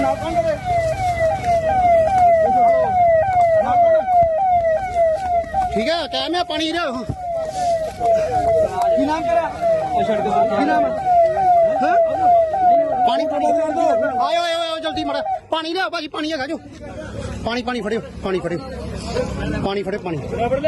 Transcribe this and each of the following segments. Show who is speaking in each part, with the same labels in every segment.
Speaker 1: ठीक है क्या मैं पानी रे
Speaker 2: नाम करा नाम
Speaker 1: पानी आयो आयो आयो जल्दी मड़ा पानी ले भाजी पानी है जो पानी पानी फड़ियो पानी फड़ियो पानी फड़े पानी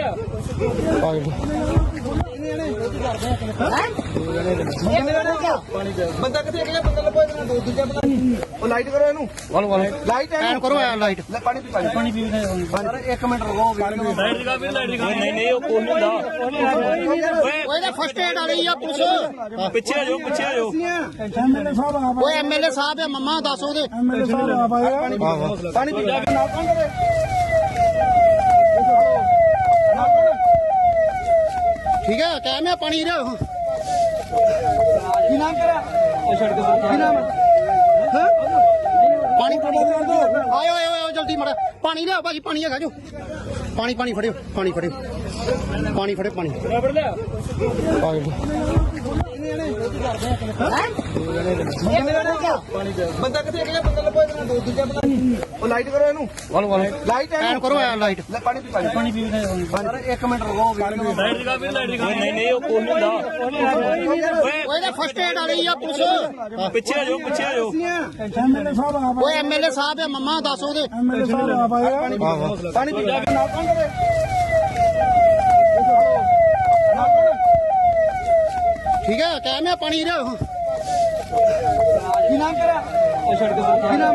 Speaker 2: ਬੰਦਾ ਕਿੱਥੇ ਗਿਆ ਬੰਦਾ ਲੱਭੋ ਇਹਨਾਂ ਦੋ ਦੂਜਾ ਬੰਦਾ ਉਹ ਲਾਈਟ ਕਰੋ ਇਹਨੂੰ ਲਾਈਟ
Speaker 1: ਐਨ ਕਰੋ ਐਨ ਲਾਈਟ
Speaker 2: ਲੈ ਪਾਣੀ ਪੀ ਪਾਣੀ ਪੀ ਇੱਕ ਮਿੰਟ ਰੁਕੋ
Speaker 3: ਲਾਈਟ ਦਿਖਾ ਵੀਰ ਲਾਈਟ ਦਿਖਾ ਨਹੀਂ ਨਹੀਂ ਉਹ ਕੋਲ ਨਹੀਂ ਹੁੰਦਾ
Speaker 1: ਓਏ ਦਾ ਫਸਟ ਏਡ ਵਾਲੀ ਆ ਪੁਲਿਸ
Speaker 3: ਪਿੱਛੇ ਆ ਜਾਓ ਪਿੱਛੇ ਆ ਜਾਓ
Speaker 4: ਐਮਐਲਏ ਸਾਹਿਬ ਆਪ
Speaker 1: ਓਏ ਐਮਐਲਏ ਸਾਹਿਬ ਆ ਮੰਮਾ ਦੱਸ ਉਹਦੇ
Speaker 4: ਐਮਐਲਏ ਸਾਹਿਬ ਆਪ ਆਏ
Speaker 2: ਪਾਣੀ ਪੀ ਨਾਲ ਕੌਣ ਕਰੇ
Speaker 1: ठीक है क्या मैं पानी रे
Speaker 2: ਕੀ ਨਾਮ ਕਰਾ ਕੀ ਨਾਮ
Speaker 1: पानी आयो आयो आयो जल्दी मड़ा पानी ले भाजी पानी है जो पानी पानी फड़ियो पानी फड़ियो पानी फड़े पानी
Speaker 2: ਬੰਦਾ ਕਿੱਥੇ ਗਿਆ ਬੰਦਾ ਲੱਭੋ ਇਹਨਾਂ ਦੋ ਦੂਜਾ ਬੰਦਾ ਉਹ ਲਾਈਟ ਕਰੋ ਇਹਨੂੰ ਲਾਈਟ
Speaker 1: ਐਨ ਕਰੋ ਐਨ ਲਾਈਟ
Speaker 2: ਲੈ ਪਾਣੀ ਪੀ ਪਾਣੀ ਪੀ ਇੱਕ ਮਿੰਟ ਰੁਕੋ
Speaker 3: ਲਾਈਟ ਦਿਖਾ ਵੀਰ ਲਾਈਟ ਦਿਖਾ ਨਹੀਂ ਨਹੀਂ ਉਹ ਕੋਲ ਨਹੀਂ ਹੁੰਦਾ
Speaker 1: ਓਏ ਦਾ ਫਸਟ ਏਡ ਵਾਲੀ ਆ ਪੁਲਿਸ
Speaker 3: ਪਿੱਛੇ ਆ ਜਾਓ ਪਿੱਛੇ ਆ ਜਾਓ
Speaker 4: ਐਮਐਲਏ ਸਾਹਿਬ ਆਪ
Speaker 1: ਓਏ ਐਮਐਲਏ ਸਾਹਿਬ ਆ ਮੰਮਾ ਦੱਸ ਉਹਦੇ
Speaker 4: ਐਮਐਲਏ ਸਾਹਿਬ ਆਪ ਆਏ
Speaker 2: ਪਾਣੀ ਪੀ ਨਾਲ ਕੌਣ ਕਰੇ
Speaker 1: ठीक है क्या मैं पानी रे
Speaker 2: ਕੀ ਨਾਮ ਕਰਾ ਕੀ ਨਾਮ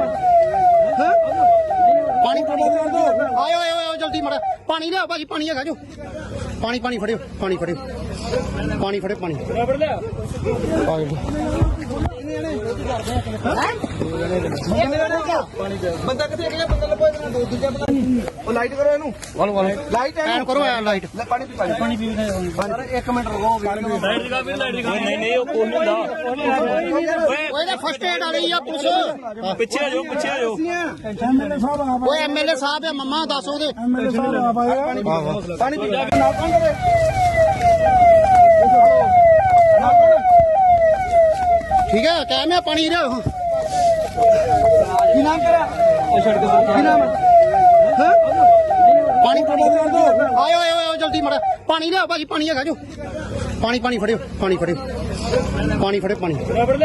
Speaker 1: पानी आयो आयो आयो जल्दी मड़ा पानी ले भाजी पानी है जो पानी पानी फड़ियो पानी फड़ियो पानी फड़े पानी
Speaker 2: ਬੰਦਾ ਕਿੱਥੇ ਗਿਆ ਬੰਦਾ ਲੱਭੋ ਇਹਨਾਂ ਦੋ ਦੂਜਾ ਬੰਦਾ ਉਹ ਲਾਈਟ ਕਰੋ ਇਹਨੂੰ ਲਾਈਟ
Speaker 1: ਐਨ ਕਰੋ ਐਨ ਲਾਈਟ
Speaker 2: ਲੈ ਪਾਣੀ ਪੀ ਪਾਣੀ ਪੀ ਇੱਕ ਮਿੰਟ ਰੁਕੋ
Speaker 3: ਲਾਈਟ ਦਿਖਾ ਵੀਰ ਲਾਈਟ ਦਿਖਾ ਨਹੀਂ ਨਹੀਂ ਉਹ ਕੋਲ ਨਹੀਂ ਹੁੰਦਾ
Speaker 1: ਓਏ ਦਾ ਫਸਟ ਏਡ ਵਾਲੀ ਆ ਪੁਲਿਸ
Speaker 3: ਪਿੱਛੇ ਆ ਜਾਓ ਪਿੱਛੇ ਆ ਜਾਓ
Speaker 4: ਐਮਐਲਏ ਸਾਹਿਬ ਆਪ
Speaker 1: ਓਏ ਐਮਐਲਏ ਸਾਹਿਬ ਆ ਮੰਮਾ ਦੱਸ ਉਹਦੇ
Speaker 4: ਐਮਐਲਏ ਸਾਹਿਬ ਆਪ ਆਏ
Speaker 2: ਪਾਣੀ ਪੀ ਨਾਲ ਕੌਣ ਕਰੇ
Speaker 1: ठीक है क्या मैं पानी रे
Speaker 2: ਕੀ ਨਾਮ ਕਰਾ ਕੀ ਨਾਮ
Speaker 1: पानी आयो आयो आयो जल्दी मड़ा पानी ले भाजी पानी है जो पानी पानी फड़ियो पानी फड़ियो पानी फड़े पानी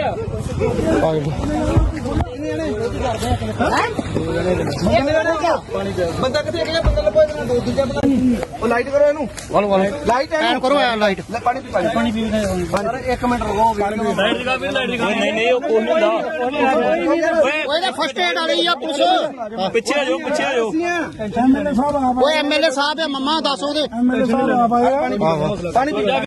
Speaker 2: ਬੰਦਾ ਕਿੱਥੇ ਗਿਆ ਬੰਦਾ ਲੱਭੋ ਇਹਨਾਂ ਦੋ ਦੂਜਾ ਬੰਦਾ ਉਹ ਲਾਈਟ ਕਰੋ ਇਹਨੂੰ ਲਾਈਟ
Speaker 1: ਐਨ ਕਰੋ ਐਨ ਲਾਈਟ
Speaker 2: ਲੈ ਪਾਣੀ ਪੀ ਪਾਣੀ ਪੀ ਇੱਕ ਮਿੰਟ ਰੁਕੋ
Speaker 3: ਲਾਈਟ ਦਿਖਾ ਵੀਰ ਲਾਈਟ ਦਿਖਾ ਨਹੀਂ ਨਹੀਂ ਉਹ ਕੋਲ ਨਹੀਂ ਹੁੰਦਾ
Speaker 1: ਓਏ ਦਾ ਫਸਟ ਏਡ ਵਾਲੀ ਆ ਪੁਲਿਸ
Speaker 3: ਪਿੱਛੇ ਆ ਜਾਓ ਪਿੱਛੇ ਆ ਜਾਓ
Speaker 4: ਐਮਐਲਏ ਸਾਹਿਬ ਆਪ
Speaker 1: ਓਏ ਐਮਐਲਏ ਸਾਹਿਬ ਆ ਮੰਮਾ ਦੱਸ ਉਹਦੇ
Speaker 4: ਐਮਐਲਏ ਸਾਹਿਬ ਆਪ ਆਏ
Speaker 2: ਪਾਣੀ ਪੀ